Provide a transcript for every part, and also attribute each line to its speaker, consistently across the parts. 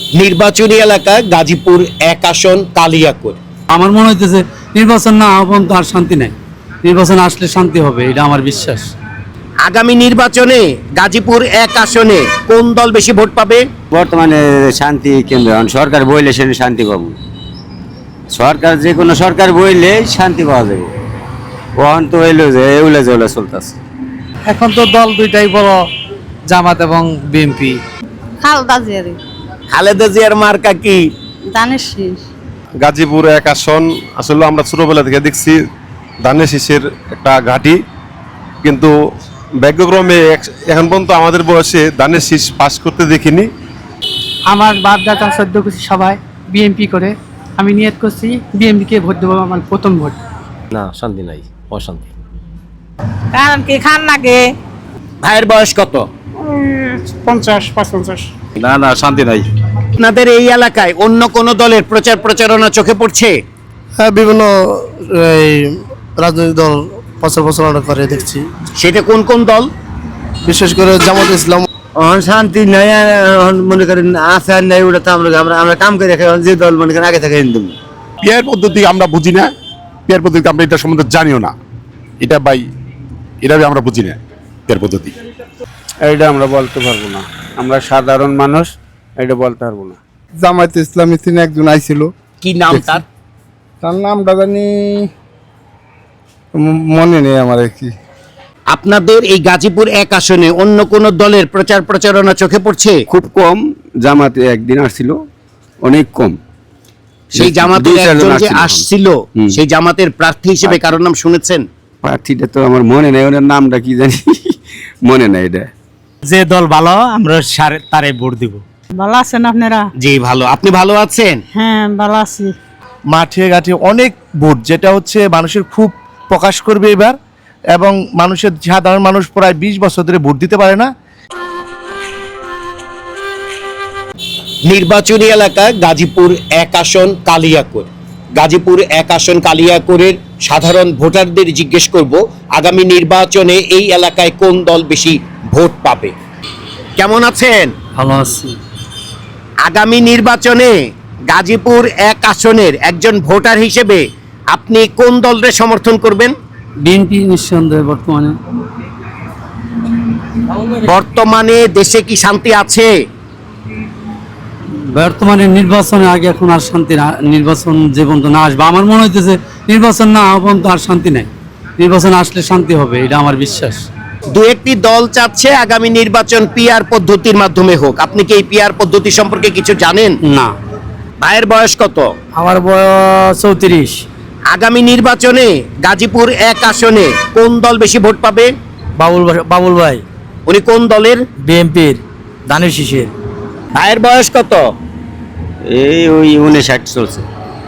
Speaker 1: নির্বাচনী এলাকা গাজীপুর 1 আসন কালিয়াকৈর।
Speaker 2: আমার মনে হইতেছে নির্বাচন না হওয়া পর্যন্ত আর শান্তি নাই। নির্বাচন আসলে শান্তি হবে, এটা আমার বিশ্বাস।
Speaker 1: আগামী নির্বাচনে গাজীপুর 1 আসনে কোন দল বেশি ভোট পাবে?
Speaker 3: বর্তমানে শান্তি কেন্দ্র সরকার বইলে সেখানে শান্তি পাবো। সরকার যে কোনো সরকার বইলে শান্তি পাওয়া যাবে। ওখান তো হইলো যে এগুলা যেগুলা চলতেছে।
Speaker 4: এখন তো দল দুইটাই বড়, জামাত এবং বিএনপি।
Speaker 5: খালদা জিয়ারি
Speaker 1: খালেদা জিয়ার মার্কা কি?
Speaker 5: দানের শীষ।
Speaker 6: গাজীপুর 1 আসন আসলে আমরা ছোটবেলা থেকে দেখছি ধানের শীষের একটা ঘাঁটি, কিন্তু ভাগ্যক্রমে এখন পর্যন্ত আমাদের বয়সে ধানের শীষ পাস করতে দেখিনি।
Speaker 7: আমার বাপ দাদা 14 করছি সবাই বিএনপি করে, আমি নিয়ত করছি বিএনপিকে ভোট দেবো, আমার প্রথম ভোট।
Speaker 8: না, শান্তি নাই, অশান্তি।
Speaker 5: কারণ কি খান নাগে
Speaker 1: ভাইয়ের বয়স কত?
Speaker 7: 50-55।
Speaker 8: না না, শান্তি নাই।
Speaker 1: আপনাদের এই এলাকায় অন্য কোন দলের প্রচার প্রচারণা চোখে পড়ছে?
Speaker 9: হ্যাঁ, বিভিন্ন রাজনৈতিক দল প্রচার প্রচারণা করে দেখছি।
Speaker 1: সেটা কোন কোন দল?
Speaker 9: বিশেষ করে জামাত ইসলাম।
Speaker 3: শান্তি নাই, মনে করেন আছে আর নাই, ওটা তো আমরা কাম করে রাখি। যে দল মনে করেন আগে থেকে হিন্দু
Speaker 6: পিয়ার পদ্ধতি আমরা বুঝি না, পিয়ার পদ্ধতি আমরা এটা সম্বন্ধে জানিও না। এটা এটা আমরা বুঝি না পিয়ার পদ্ধতি।
Speaker 10: এটা আমরা বলতে পারবো না, আমরা সাধারণ মানুষ, এটা বলতে পারবো না।
Speaker 9: জামাত ইসলামী তিনি একজন আইছিল,
Speaker 1: কি নাম তার?
Speaker 9: তার নামটা জানি মনে নেই আমার কি।
Speaker 1: আপনাদের এই গাজীপুর 1 আসনে অন্য কোন দলের প্রচার প্রচারণা চোখে পড়ছে?
Speaker 3: খুব কম। জামাতে একদিন আসছিল, অনেক কম।
Speaker 1: সেই জামাতের
Speaker 3: 2-4 জন
Speaker 1: একজন যে
Speaker 3: আসছিল।
Speaker 1: আসছিল, সেই জামাতের প্রার্থী হিসেবে কারোর নাম শুনেছেন?
Speaker 3: প্রার্থীটা তো আমার মনে নেই, ওনার নামটা কি জানি মনে নাই। এটা
Speaker 4: যে দল ভালো আমরা তারে ভোট দিব।
Speaker 5: ভালো আছেন আপনারা?
Speaker 1: জি ভালো। আপনি ভালো আছেন?
Speaker 5: হ্যাঁ ভালো আছি।
Speaker 9: মাঠে ঘাটে অনেক ভোট, যেটা হচ্ছে মানুষের খুব প্রকাশ করবে এবার, এবং মানুষের সাধারণ মানুষ প্রায় 20 বছর ধরে ভোট দিতে পারে না।
Speaker 1: নির্বাচনী এলাকা গাজীপুর 1 আসন কালিয়াকৈর। গাজীপুর 1 আসন কালিয়াকৈরের সাধারণ ভোটারদের জিজ্ঞেস করব আগামী নির্বাচনে এই এলাকায় কোন দল বেশি ভোট পাবে। কেমন আছেন?
Speaker 2: ভালো আছি।
Speaker 1: আগামী নির্বাচনে গাজীপুর 1 আসনের একজন ভোটার হিসেবে আপনি কোন দলের সমর্থন করবেন?
Speaker 2: বিএনপি নিঃসন্দেহে
Speaker 1: বর্তমানে দেশে কি শান্তি আছে?
Speaker 2: বর্তমানে নির্বাচনে আগে এখন আর শান্তি না। নির্বাচন যে পর্যন্ত না আসবে, আমার মনে হইতেছে নির্বাচন না হওয়া পর্যন্ত আর শান্তি নাই। নির্বাচন আসলে শান্তি হবে, এটা আমার বিশ্বাস।
Speaker 1: দু একটি দল চাচ্ছে আগামী নির্বাচন পিআর পদ্ধতির মাধ্যমে হোক। আপনি কি এই পিআর পদ্ধতি সম্পর্কে কিছু জানেন?
Speaker 2: না।
Speaker 1: ভাইয়ের বয়স কত?
Speaker 4: আমার বয়স 34।
Speaker 1: আগামী নির্বাচনে গাজীপুর 1 আসনে কোন দল বেশি ভোট পাবে?
Speaker 4: বাবুল ভাই
Speaker 1: উনি কোন দলের?
Speaker 4: বিএনপির, ধানের শীষের।
Speaker 1: ভাইয়ের বয়স কত?
Speaker 3: এই ওই 59 চলছে।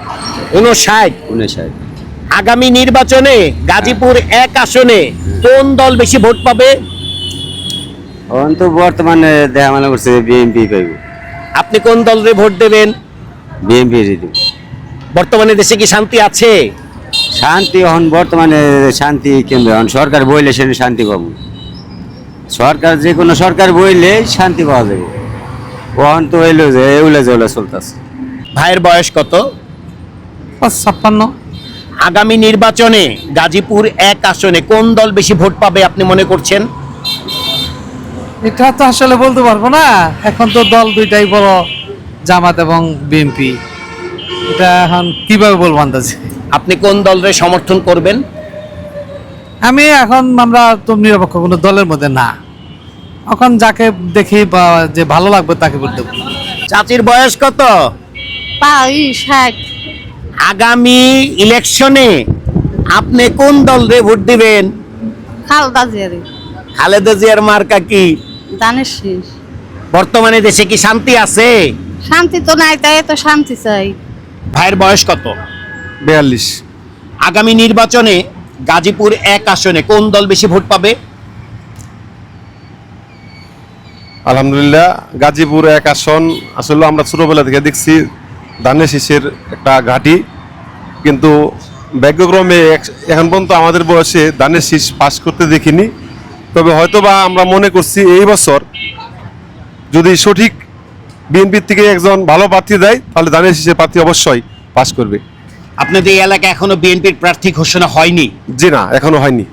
Speaker 1: 59। আগামী নির্বাচনে গাজীপুর 1 আসনে কোন দল বেশি ভোট পাবে?
Speaker 3: এখন তো বর্তমানে দেখা মনে করছে বিএনপি পাইব।
Speaker 1: আপনি কোন দলের ভোট দেবেন?
Speaker 3: বিএনপি
Speaker 1: বর্তমানে দেশে কি শান্তি আছে?
Speaker 3: শান্তি এখন বর্তমানে শান্তি কেন্দ্র সরকার বইলে সেখানে শান্তি পাবো। সরকার যে কোনো সরকার বইলে শান্তি পাওয়া যাবে। ওখান তো হইলো যে এগুলা যেগুলা চলতেছে।
Speaker 1: ভাইয়ের বয়স কত?
Speaker 7: 56।
Speaker 1: আগামী নির্বাচনে গাজীপুর 1 আসনে কোন দল বেশি ভোট পাবে আপনি মনে করছেন?
Speaker 4: এটা তো আসলে বলতে পারবো না, এখন তো দল দুইটাই বড়, জামাত এবং বিএনপি। এটা এখন কিভাবে বলবো আন্দাজে।
Speaker 1: আপনি কোন দলের সমর্থন করবেন?
Speaker 4: আমরা তো নিরপেক্ষ কোনো দলের মধ্যে না, এখন যাকে দেখি বা যে ভালো লাগবে তাকে ভোট দেবো।
Speaker 1: চাচির বয়স কত?
Speaker 5: 60।
Speaker 1: আগামী ইলেকশনে আপনি কোন দলরে ভোট দিবেন?
Speaker 5: খালদা জিয়ারি
Speaker 1: খালেদা জিয়ার মার্কা কি?
Speaker 5: দানের শীষ।
Speaker 1: বর্তমানে দেশে কি শান্তি আছে?
Speaker 5: শান্তি তো নাই, তাই তো শান্তি চাই।
Speaker 1: ভাইয়ের বয়স কত?
Speaker 9: 42।
Speaker 1: আগামী নির্বাচনে গাজীপুর 1 আসনে কোন দল বেশি ভোট পাবে?
Speaker 6: আলহামদুলিল্লাহ, গাজীপুর 1 আসন আসলে আমরা ছোটবেলা থেকে দেখছি ধানের শীষের একটা ঘাঁটি, কিন্তু ভাগ্যক্রমে এখন পর্যন্ত আমাদের বয়সে ধানের শীষ পাস করতে দেখিনি। তবে হয়তোবা আমরা মনে করছি এই বছর যদি সঠিক বিএনপির থেকে একজন ভালো প্রার্থী দেয়, তাহলে ধানের শীষের প্রার্থী অবশ্যই পাস করবে।
Speaker 1: আপনাদের এই এলাকায় এখনো বিএনপির প্রার্থী ঘোষণা হয়নি?
Speaker 6: জি না, এখনো হয়নি।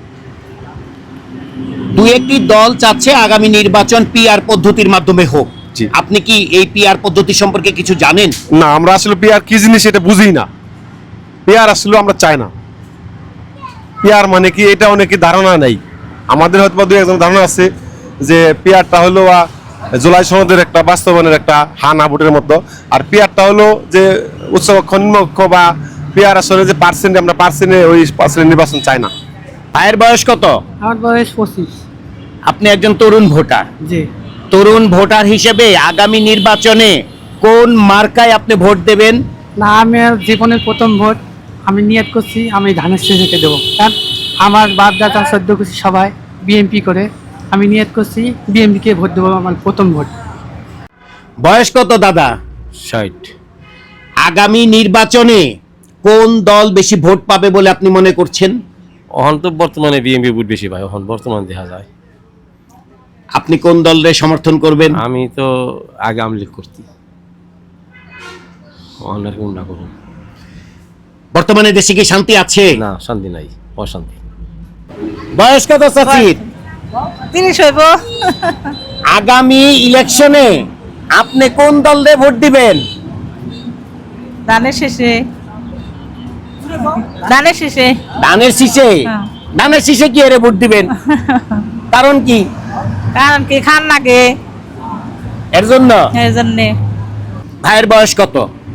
Speaker 1: দুই একটি দল চাচ্ছে আগামী নির্বাচন পিআর পদ্ধতির মাধ্যমে হোক।
Speaker 6: জি।
Speaker 1: আপনি কি এই পিআর পদ্ধতি সম্পর্কে কিছু জানেন?
Speaker 6: না, আমরা আসলে পিআর কি জিনিস এটা বুঝি না। পিআর আসলে আমরা চাই না। পিআর মানে কি এটা অনেকে ধারণা নেই। আমাদের হয়তো বা দুই একজন ধারণা আছে যে পিআরটা হলো জুলাই সনদের একটা বাস্তবায়নের একটা হানা ভোটের মতো, আর পিআরটা হলো যে উচ্চকক্ষ নিম্নকক্ষ বা পিআর আসলে যে পার্সেন্ট, আমরা পার্সেন্টে ওই পার্সেন্ট নির্বাচন চাই না।
Speaker 1: ভাইয়ের বয়স কত?
Speaker 7: আমার বয়স 25।
Speaker 1: আপনি একজন তরুণ ভোটার।
Speaker 7: জি।
Speaker 1: তরুণ ভোটার হিসেবে আগামী নির্বাচনে কোন মার্কায় আপনি ভোট দেবেন?
Speaker 7: না, আমি জীবনের প্রথম ভোট আমি নিয়ত করছি আমি ধানের শীষকে দেবো, কারণ আমার বাপ দাদা 14 গোষ্ঠী সবাই বিএমপি করে, আমি নিয়ত করছি বিএমপিকে ভোট দেবো আমার প্রথম ভোট।
Speaker 1: বয়স কত দাদা?
Speaker 8: 60।
Speaker 1: আগামী নির্বাচনে কোন দল বেশি ভোট পাবে বলে আপনি মনে করছেন?
Speaker 8: এখন তো বর্তমানে বিএনপি ভোট বেশি ভাই, এখন বর্তমানে দেখা যায়।
Speaker 1: আপনি কোন দলের সমর্থন করবেন?
Speaker 8: আমি তো আগে আওয়ামী লীগ করছি, অনেক গুন্ডা করুন।
Speaker 1: বর্তমানে দেশে কি শান্তি আছে?
Speaker 8: না, শান্তি নাই, অশান্তি।
Speaker 1: বয়স কত চাচির?
Speaker 5: 30 হইব।
Speaker 1: আগামী ইলেকশনে আপনি কোন দলে ভোট দিবেন?
Speaker 5: ধানের শেষে। ধানের শেষে।
Speaker 1: ধানের শীষে?
Speaker 5: হ্যাঁ।
Speaker 1: ধানের শীষে কি এর ভোট দিবেন? কারণ কি?
Speaker 5: কারণ কি খান নাগে
Speaker 1: এর জন্য?
Speaker 5: এই জন্যে।
Speaker 1: ভাইয়ের বয়স কত?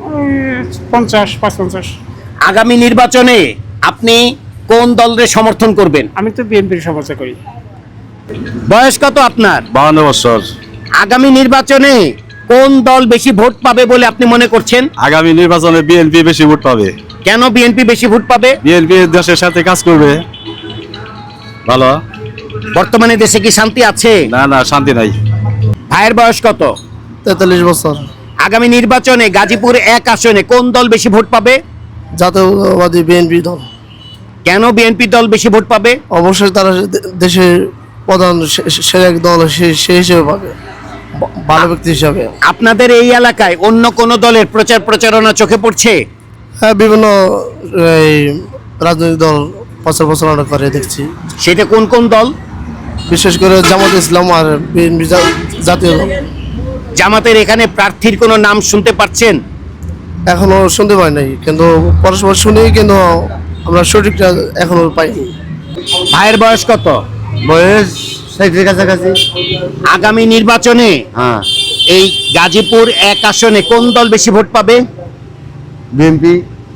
Speaker 7: 55।
Speaker 1: আগামী নির্বাচনে আপনি কোন দলের সমর্থন করবেন?
Speaker 7: আমি তো বিএনপির সমর্থন করি।
Speaker 1: বয়স কত আপনার?
Speaker 8: 52 বছর।
Speaker 1: আগামী নির্বাচনে কোন দল বেশি ভোট পাবে বলে আপনি মনে করছেন?
Speaker 8: আগামী নির্বাচনে বিএনপি বেশি ভোট পাবে।
Speaker 1: কেন বিএনপি বেশি ভোট পাবে?
Speaker 8: বিএনপি দেশের সাথে কাজ করবে ভালো।
Speaker 1: বর্তমানে দেশে কি শান্তি আছে?
Speaker 8: না, না, শান্তি নাই।
Speaker 1: ভাইয়ের বয়স কত?
Speaker 9: 43 বছর।
Speaker 1: আগামী নির্বাচনে গাজীপুর 1 আসনে কোন দল বেশি ভোট পাবে?
Speaker 9: জাতীয়বাদী বিএনপি দল।
Speaker 1: কেন বিএনপি দল বেশি ভোট পাবে?
Speaker 9: অবশ্যই তারা দেশের প্রধান সে এক দল, সে হিসেবে পাবে, ভালো ব্যক্তি হিসাবে।
Speaker 1: আপনাদের এই এলাকায় অন্য কোন দলের প্রচার প্রচারণা চোখে পড়ছে?
Speaker 9: হ্যাঁ, বিভিন্ন এই রাজনৈতিক দল প্রচার প্রচারণা করে দেখছি,
Speaker 1: সেটা কোন কোন দল?
Speaker 9: বিশেষ করে জামাত ইসলাম আর বিএনপি জাতীয় দল।
Speaker 1: জামাতের এখানে প্রার্থীর কোনো নাম শুনতে পাচ্ছেন?
Speaker 9: এখনো শুনতে পাই নাই, কিন্তু পরস্পর শুনি, কিন্তু আমরা সঠিকটা এখনো পাইনি।
Speaker 1: ভাইয়ের বয়স কত?
Speaker 3: বয়স 60 কাছাকাছি।
Speaker 1: আগামী নির্বাচনে
Speaker 3: হ্যাঁ,
Speaker 1: এই গাজীপুর 1 আসনে কোন দল বেশি ভোট পাবে?
Speaker 3: বিএনপি।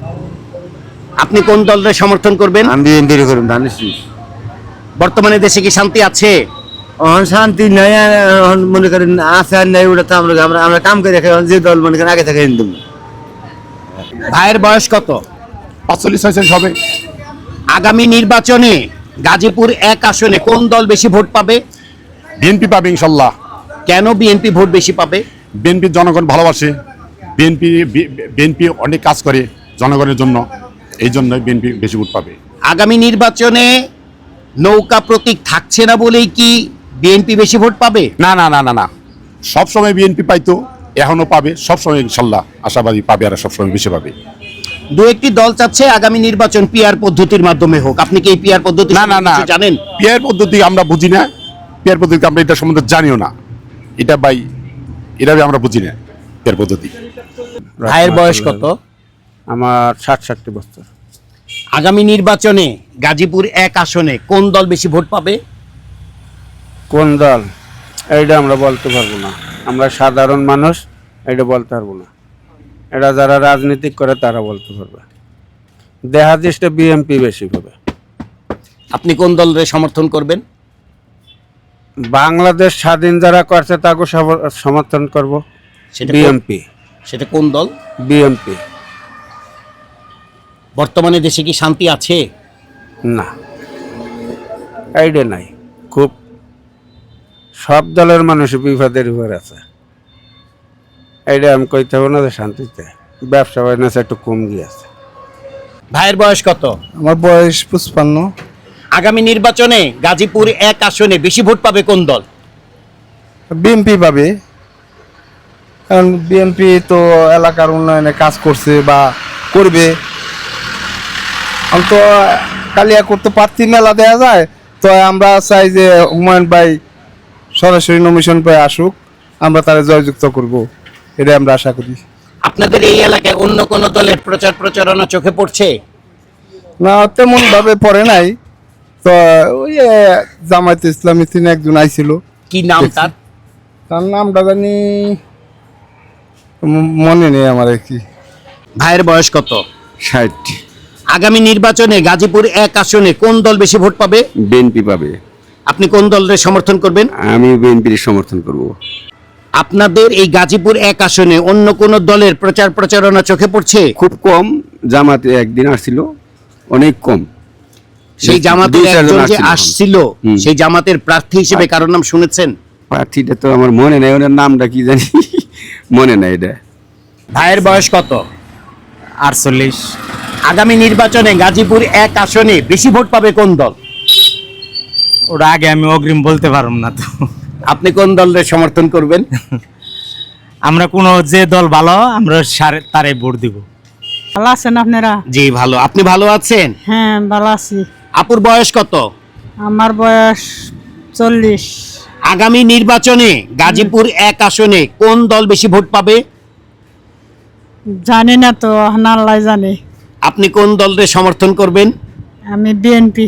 Speaker 1: আপনি কোন দলের সমর্থন করবেন?
Speaker 3: আমি বিএনপির করুন, ধানের শীষ।
Speaker 1: বর্তমানে দেশে কি শান্তি আছে?
Speaker 3: এখন শান্তি নাই, এখন মনে করেন আছে আর নাই, ওটা তো আমরা কাম করে রাখি। যে দল মনে করেন আগে থেকে হিন্দু।
Speaker 1: ভাইয়ের বয়স কত?
Speaker 6: 45-46 হবে।
Speaker 1: আগামী নির্বাচনে গাজীপুর 1 আসনে কোন দল বেশি ভোট পাবে?
Speaker 6: বিএনপি পাবে ইনশাল্লাহ।
Speaker 1: কেন বিএনপি ভোট বেশি পাবে?
Speaker 6: বিএনপি জনগণ ভালোবাসে, বিএনপি অনেক কাজ করে জনগণের জন্য, এই জন্য বিএনপি বেশি ভোট পাবে।
Speaker 1: আগামী নির্বাচনে নৌকা প্রতীক থাকছে না বলেই কি বিএনপি বেশি ভোট পাবে?
Speaker 6: না না না না না, সবসময় বিএনপি পাইতো, এখনো পাবে, সবসময় ইনশাল্লাহ আশাবাদী পাবে, আর সবসময় বেশি পাবে।
Speaker 1: দু একটি দল চাচ্ছে আগামী নির্বাচন পিআর পদ্ধতির মাধ্যমে হোক। আপনি কি এই পিআর পদ্ধতি
Speaker 6: না না না,
Speaker 1: সম্পর্কে কিছু জানেন?
Speaker 6: পিয়ার পদ্ধতি আমরা বুঝি না, পিয়ার পদ্ধতি আমরা এটা সম্বন্ধে জানিও না। এটা এটা আমরা বুঝি না পিয়ার পদ্ধতি।
Speaker 1: ভাইয়ের বয়স কত?
Speaker 10: আমার 60 বছর।
Speaker 1: আগামী নির্বাচনে গাজীপুর 1 আসনে কোন দল বেশি ভোট পাবে?
Speaker 10: কোন দল এইটা আমরা বলতে পারবো না, আমরা সাধারণ মানুষ, এটা বলতে পারবো না। এটা যারা রাজনীতি করে তারা বলতে পারবে। দেখা দৃষ্টে বিএনপি বেশি হবে।
Speaker 1: আপনি কোন দলের সমর্থন করবেন?
Speaker 10: বাংলাদেশ স্বাধীন যারা করছে তাকে সমর্থন করব।
Speaker 1: সেটা
Speaker 10: বিএনপি।
Speaker 1: সেটা কোন দল?
Speaker 10: বিএনপি।
Speaker 1: বর্তমানে দেশে কি শান্তি আছে?
Speaker 10: না, এইটা নাই। খুব সব দলের মানুষ বিপদের উপর আছে। এইটা আমি কইতে হবো না যে শান্তিতে, ব্যবসা বাণিজ্য একটু কম গিয়েছে।
Speaker 1: ভাইয়ের বয়স কত?
Speaker 9: আমার বয়স 55।
Speaker 1: আগামী নির্বাচনে গাজীপুর 1 আসনে বেশি ভোট পাবে কোন দল?
Speaker 9: বিএনপি পাবে।
Speaker 8: কারণ বিএনপি তো এলাকার উন্নয়নে কাজ করছে বা করবে। আমি তো কালিয়াকোট তো প্রার্থী মেলা দেওয়া যায়, তো আমরা চাই যে হুমায়ুন ভাই সরাসরি নমিশন পেয়ে আসুক, আমরা তারা জয়যুক্ত করব, এটাই আমরা আশা করি।
Speaker 1: আপনাদের এই এলাকায় অন্য কোন দলের প্রচার প্রচারণা চোখে পড়ছে?
Speaker 8: না, তেমন ভাবে পড়ে নাই। তো ওই জামায়াতে ইসলামী তিনি একজন আইছিল,
Speaker 1: কি নাম তার?
Speaker 8: তার নামটা জানি মনে নেই আমার আর কি।
Speaker 1: ভাইয়ের বয়স কত?
Speaker 3: 60।
Speaker 1: আগামী নির্বাচনে গাজীপুর 1 আসনে কোন দল বেশি ভোট পাবে?
Speaker 3: বিএনপি পাবে।
Speaker 1: আপনি কোন দলের সমর্থন করবেন?
Speaker 3: আমি বিএনপির সমর্থন করব।
Speaker 1: আপনাদের এই গাজীপুর 1 আসনে অন্য কোন দলের প্রচার প্রচারণা চোখে পড়ছে?
Speaker 3: খুব কম, জামাতে একদিন আসছিল, অনেক কম।
Speaker 1: সেই জামাতের
Speaker 3: 2-4 জন
Speaker 1: একজন যে
Speaker 3: আসছিল।
Speaker 1: আসছিল,
Speaker 3: হুম।
Speaker 1: সেই জামাতের প্রার্থী হিসেবে কারোর নাম শুনেছেন?
Speaker 3: প্রার্থীটা তো আমার মনে নাই, ওনার নামটা কি জানি মনে নাই এটা।
Speaker 1: ভাইয়ের বয়স কত?
Speaker 2: 48।
Speaker 1: আগামী নির্বাচনে গাজীপুর 1 আসনে বেশি ভোট পাবে কোন দল?
Speaker 2: ওটা আগে আমি অগ্রিম বলতে পারব না তো।
Speaker 1: আপনি কোন দলের সমর্থন করবেন?
Speaker 2: আমরা কোনো যে দল ভালো আমরা তারে ভোট দিব।
Speaker 5: ভালো আছেন আপনারা?
Speaker 1: জি ভালো। আপনি ভালো আছেন?
Speaker 5: হ্যাঁ ভালো আছি।
Speaker 1: আপুর বয়স কত?
Speaker 5: আমার বয়স 40।
Speaker 1: আগামী নির্বাচনে গাজীপুর 1 আসনে কোন দল বেশি ভোট পাবে?
Speaker 5: জানি না তো, আল্লাহ জানে।
Speaker 1: আপনি কোন দলের সমর্থন করবেন?
Speaker 5: আমি বিএনপি।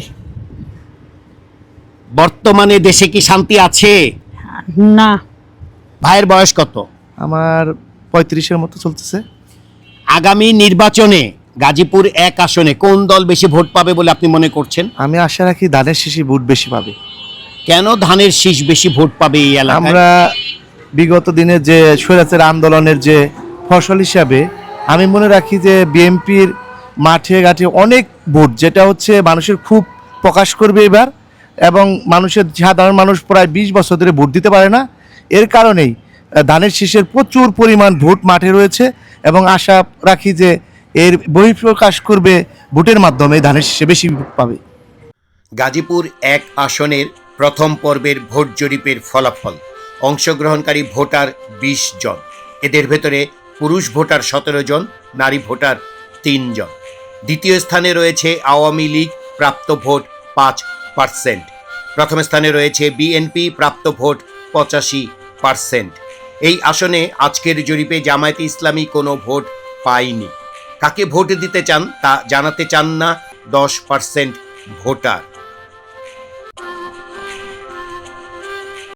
Speaker 1: বর্তমানে দেশে কি শান্তি আছে?
Speaker 5: না।
Speaker 1: ভাইয়ের বয়স কত?
Speaker 9: আমার 35-এর মতো চলতেছে।
Speaker 1: আগামী নির্বাচনে গাজীপুর 1 আসনে কোন দল বেশি ভোট পাবে বলে আপনি মনে করছেন?
Speaker 9: আমি আশা রাখি ধানের শীষই ভোট বেশি পাবে।
Speaker 1: কেন ধানের শীষ বেশি ভোট পাবে এই এলাকায়?
Speaker 9: আমরা বিগত দিনে যে স্বৈরাচার আন্দোলনের যে ফসল হিসাবে আমি মনে রাখি যে বিএনপির মাঠে ঘাটে অনেক ভোট, যেটা হচ্ছে মানুষের খুব প্রকাশ করবে এবার, এবং সাধারণ মানুষ প্রায় 20 বছর ধরে ভোট দিতে পারে না। এর কারণেই ধানের শীষের প্রচুর পরিমাণ ভোট মাঠে রয়েছে, এবং আশা রাখি যে এর বহিঃপ্রকাশ করবে ভোটের মাধ্যমে ধানের শীষে বেশি ভোট পাবে।
Speaker 1: গাজীপুর 1 আসনের প্রথম পর্বের ভোট জরিপের ফলাফল। অংশগ্রহণকারী ভোটার 20 জন। এদের ভেতরে পুরুষ ভোটার 17 জন, নারী ভোটার 3 জন। দ্বিতীয় স্থানে রয়েছে আওয়ামী লীগ, প্রাপ্ত ভোট 5%। প্রথম স্থানে রয়েছে বিএনপি, প্রাপ্ত ভোট 85%। এই আসনে আজকের জরিপে জামায়াতে ইসলামী কোনো ভোট পায়নি। কাকে ভোট দিতে চান তা জানাতে চান না 10% ভোটার।